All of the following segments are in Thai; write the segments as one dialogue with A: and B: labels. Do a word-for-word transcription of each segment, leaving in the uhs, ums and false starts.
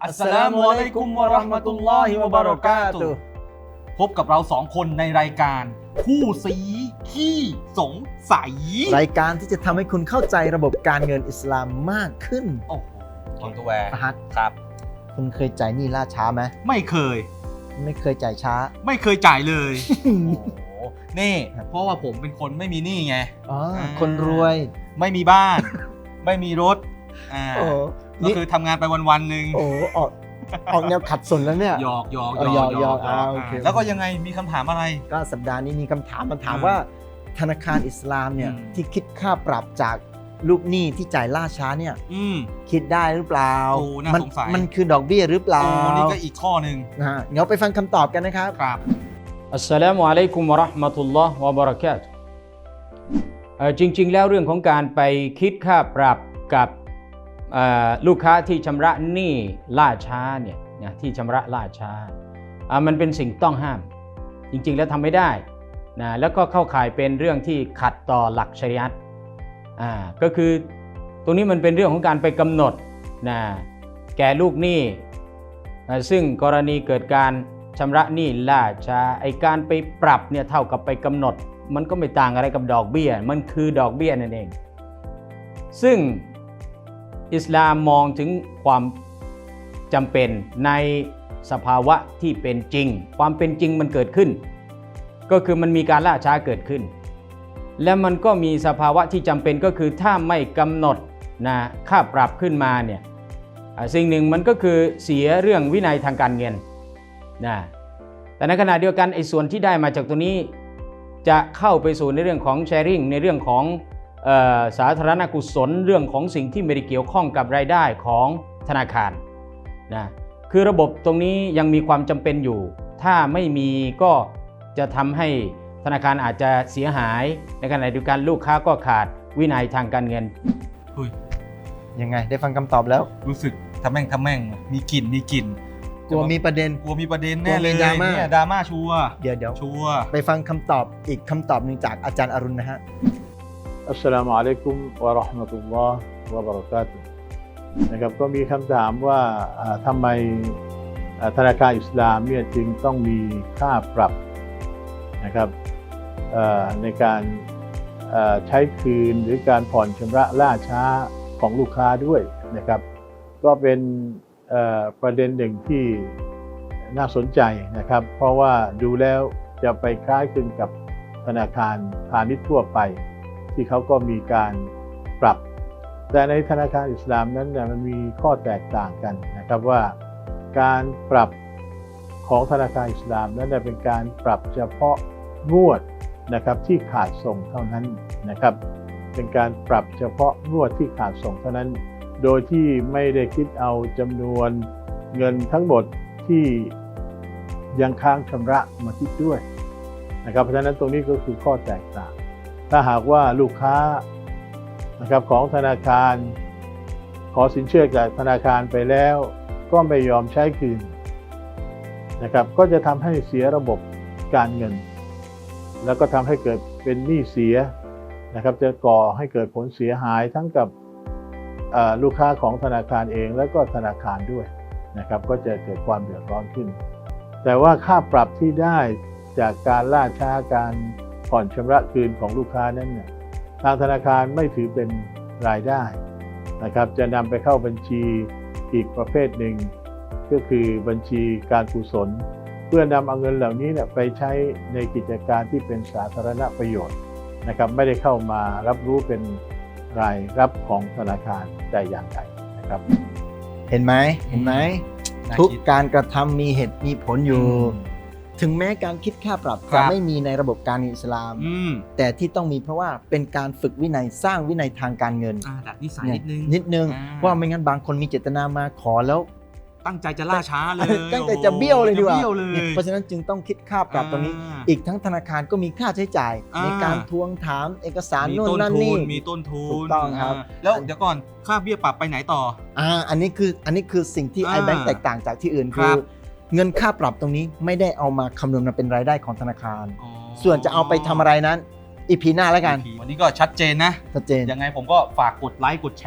A: อัสสลามุอะลัยกุมวะเราะห์มะตุลลอฮิวะบะเราะกาตุฮ์พบกับเราสองคนในรายการคู่สีขี้สงสัย
B: รายการที่จะทำให้คุณเข้าใจระบบการเงินอิสลามมากขึ้น
A: โอ้โหคอนตัวแวร์
B: ฟะฮัด
A: ครับ
B: คุณเคยจ่ายหนี้ล่าช้าไหม
A: ไม่เคย
B: ไม่เคยจ่ายช้า
A: ไม่เคยจ่ายเลย โอ้โหนี่เพราะว่าผมเป็นคนไม่มีหนี้ไง
B: อ๋อคนรวย
A: ไม่มีบ้าน ไม่มีรถอ่า
B: โอ้
A: ก็คือทำงานไปวันๆหนึ่ง
B: โอ้ออกออกแนวขัดสนแล้วเนี่ย
A: หยอกหยอก
B: หยอกหยอกอ่าโอเค
A: แล้วก็ยังไงมีคำถามอะไร
B: ก็สัปดาห์นี้มีคำถามมาถามว่าธนาคารอิสลามเนี่ยที่คิดค่าปรับจากลูกหนี้ที่จ่ายล่าช้าเนี่ยคิดได้หรือเปล่ามันมันคือดอกเบี้ยหรือเปล่า
A: นี่ก็อีกข้อหนึ่ง
B: นะฮะเดี๋ยวไปฟังคำตอบกันนะครับ
A: ครับ
C: อัสสลามุอะลัยกุมวะเราะห์มะตุลลอฮ์วะบะเราะกาตุฮ์เอ่อจริงๆแล้วเรื่องของการไปคิดค่าปรับกับลูกค้าที่ชำระหนี้ล่าช้าเนี่ยนะที่ชำระล่าช้าอ่ามันเป็นสิ่งต้องห้ามจริงๆแล้วทำไม่ได้นะแล้วก็เข้าข่ายเป็นเรื่องที่ขัดต่อหลักชะรีอะห์อ่าก็คือตรงนี้มันเป็นเรื่องของการไปกำหนดนะแก่ลูกหนี้ซึ่งกรณีเกิดการชำระหนี้ล่าช้าไอการไปปรับเนี่ยเท่ากับไปกำหนดมันก็ไม่ต่างอะไรกับดอกเบี้ยมันคือดอกเบี้ยนั่นเองซึ่งอิสลามมองถึงความจำเป็นในสภาวะที่เป็นจริงความเป็นจริงมันเกิดขึ้นก็คือมันมีการล่าช้าเกิดขึ้นและมันก็มีสภาวะที่จำเป็นก็คือถ้าไม่กำหนดนะค่าปรับขึ้นมาเนี่ยสิ่งหนึ่งมันก็คือเสียเรื่องวินัยทางการเงินนะแต่ในขณะเดียวกันไอ้ส่วนที่ได้มาจากตัวนี้จะเข้าไปสู่ในเรื่องของแชร์ริ่งในเรื่องของสาธารณกุศลเรื่องของสิ่งที่ไม่ได้เกี่ยวข้องกับรายได้ของธนาคารนะคือระบบตรงนี้ยังมีความจำเป็นอยู่ถ้าไม่มีก็จะทำให้ธนาคารอาจจะเสียหายในขณะเดียวกันลูกค้าก็ขาดวินัยทางการเงิน
B: ยังไงได้ฟังคำตอบแล้ว
A: รู้สึกทำแม่งทำแม่งมีกลิ่นมีกลิ่น
B: กลัวมีประเด็น
A: กลัวมีประเด็นแน่เลยเนี่ยดราม่าชัวร์
B: เดี๋ยวเดี๋ยว
A: ชัวร์
B: ไปฟังคำตอบอีกคำตอบหนึ่งจากอาจารย์อรุณนะฮะ
D: อัสสลามุอะลัยกุมวะเราะห์มะตุลลอฮ์วะบะเราะกาตุฮ์นะครับก็มีคำถามว่าทำไมธนาคารอิสลามเนี่ยจึงต้องมีค่าปรับนะครับในการใช้คืนหรือการผ่อนชำระล่าช้าของลูกค้าด้วยนะครับก็เป็นประเด็นหนึ่งที่น่าสนใจนะครับเพราะว่าดูแล้วจะไปคล้ายคลึงกับธนาคารพาณิชย์ทั่วไปที่เขาก็มีการปรับแต่ในธนาคารอิสลามนั้นเนี่ยมันมีข้อแตกต่างกันนะครับว่าการปรับของธนาคารอิสลามนั้นเป็นการปรับเฉพาะงวดนะครับที่ขาดส่งเท่านั้นนะครับเป็นการปรับเฉพาะงวดที่ขาดส่งเท่านั้นโดยที่ไม่ได้คิดเอาจำนวนเงินทั้งหมดที่ยังค้างชำระมาคิดด้วยนะครับเพราะฉะนั้นตรงนี้ก็คือข้อแตกต่างถ้าหากว่าลูกค้านะครับของธนาคารขอสินเชื่อจากธนาคารไปแล้วก็ไม่ยอมใช้คืนนะครับก็จะทำให้เสียระบบการเงินแล้วก็ทำให้เกิดเป็นหนี้เสียนะครับจะก่อให้เกิดผลเสียหายทั้งกับลูกค้าของธนาคารเองและก็ธนาคารด้วยนะครับก็จะเกิดความเดือดร้อนขึ้นแต่ว่าค่าปรับที่ได้จากการล่าช้าการผ่อนชำระคืนของลูกค้านั้นเนี่ยทางธนาคารไม่ถือเป็นรายได้นะครับจะนำไปเข้าบัญชีอีกประเภทหนึ่งก็คือบัญชีการกุศลเพื่อนำเอาเงินเหล่านี้เนี่ยไปใช้ในกิจการที่เป็นสาธารณประโยชน์นะครับไม่ได้เข้ามารับรู้เป็นรายรับของธนาคารแต่อย่างใดนะครับ
B: เห็นไหมเห็นไหมทุกการกระทำมีเหตุมีผลอยู่ถึงแม้การคิดค่าปรับจะไม่มีในระบบการเงินอิสลามแต่ที่ต้องมีเพราะว่าเป็นการฝึกวินัยสร้างวินัยทางการเงิน
A: ดัดนิสัยนิดนึง
B: นิดนึงว่าไม่งั้นบางคนมีเจตนามาขอแล้ว
A: ตั้งใจจะล่าช้าเลย
B: ตั้งใจจะเบี้ยวเลยดีกว่าเพราะฉะนั้นจึงต้องคิดค่าปรับตรงนี้อีกทั้งธนาคารก็มีค่าใช้จ่ายในการทวงถามเอกสารโน่นนั่นนี่
A: มีต้นทุน
B: ถูกต้องครับ
A: แล้วเดี๋ยวก่อนค่าเบี้ยปรับไปไหนต่อ
B: อ่าอันนี้คืออันนี้คือสิ่งที่ iBank แตกต่างจากที่อื่นคือเงินค่าปรับตรงนี้ไม่ได้เอามาคำนวณมาเป็นรายได้ของธนาคารส่วนจะเอาไปทำอะไรนั้นอีพีหน้าแล้วกัน
A: วันนี้ก็ชัดเจนนะ
B: ชัดเจน
A: ยังไงผมก็ฝากกดไลค์กดแชร์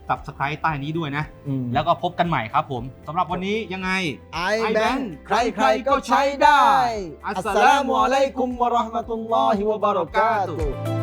A: Subscribe ใต้นี้ด้วยนะ
B: อืม
A: แล้วก็พบกันใหม่ครับผมสำหรับวันนี้ยังไง
B: iBank ใครๆก็ใช้ได้ อัสสลามุอะลัยกุมวะเราะห์มะตุลลอฮิวะบะเราะกาตุฮ์